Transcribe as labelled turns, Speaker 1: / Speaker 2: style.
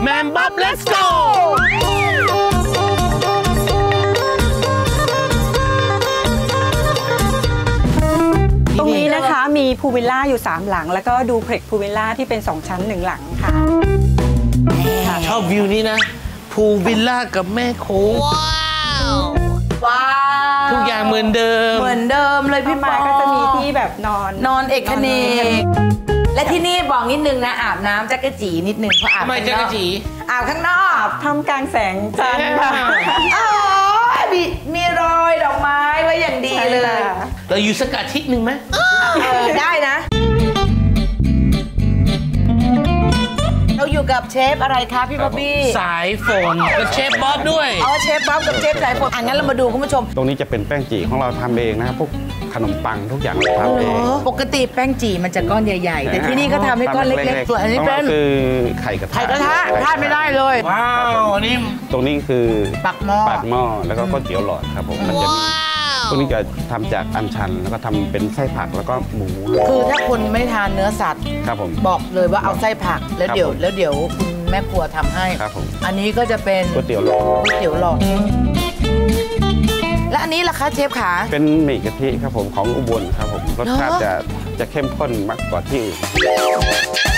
Speaker 1: แมมบ๊อบ let's go
Speaker 2: ตรงนี้นะคะมีพูลวิลล่าอยู่3หลังแล้วก็ดูเพล็กพูลวิลล่าที่เป็น2ชั้น1หลังค่ะ
Speaker 1: ชอบวิวนี้นะพูลวิลล่ากับแม่โค้ง
Speaker 3: ว้าว
Speaker 1: ทุกอย่างเหมือนเดิม
Speaker 3: เลยพี่ปอ
Speaker 2: ก็จะมีที่แบบนอน
Speaker 3: เอกเนกและที่นี่บอกนิดนึงนะอาบน้ำจักรจีนิดนึงเพราะอาบ
Speaker 1: ทำไมจักรจี
Speaker 3: อาบข้างนอก
Speaker 2: ทำกลางแสงจันทร์ค่ะ
Speaker 3: อ๋อมีรอยดอกไม้ไว้อย่างดีเลย
Speaker 1: เราอยู่สักอาทิตย์หนึ่งไหม
Speaker 3: ได้นะเราอยู่กับเชฟอะไรคะพี่บ๊อบบี้
Speaker 1: สายฝนกับเชฟบ๊อบด้วย
Speaker 3: เชฟบ๊อบกับเชฟสายฝนงั้นเรามาดูคุณผู้ชม
Speaker 4: ตรงนี้จะเป็นแป้งจีของเราทำเองนะครับพวกขนมปังทุกอย่างเราทำเอง
Speaker 3: ปกติแป้งจีมันจะก้อนใหญ่ๆแต่ที่นี่ก็ทำให้ก้อนเล็กๆส่วนอันนี้เป็น
Speaker 4: คือไข่กระทะ
Speaker 3: พลาดไม่ได้เลย
Speaker 1: ว้าวนี่
Speaker 4: ตรงนี้คือ
Speaker 3: ปากหม้อ
Speaker 4: แล้วก็ก๋วยเตี๋ยวหลอดครับผมมันจะมีพวกนี้จะทำจากอัญชันแล้วก็ทำเป็นไส้ผักแล้วก็หมู
Speaker 3: คือถ้าคนไม่ทานเนื้อสัตว์
Speaker 4: ครับผม
Speaker 3: บอกเลยว่าเอาไส้ผักแล้วเดี๋ยวคุณแม่ครัวทำให้
Speaker 4: ครับผม
Speaker 3: อันนี้ก็จะเป็น
Speaker 4: ก๋วยเตี๋ยวหลอด
Speaker 3: และอันนี้ล่ะคะเชฟขา
Speaker 4: เป็นหมี่กะทิครับผมของอุบลครับผมรสชาติจะเข้มข้นมากกว่าที่อื่น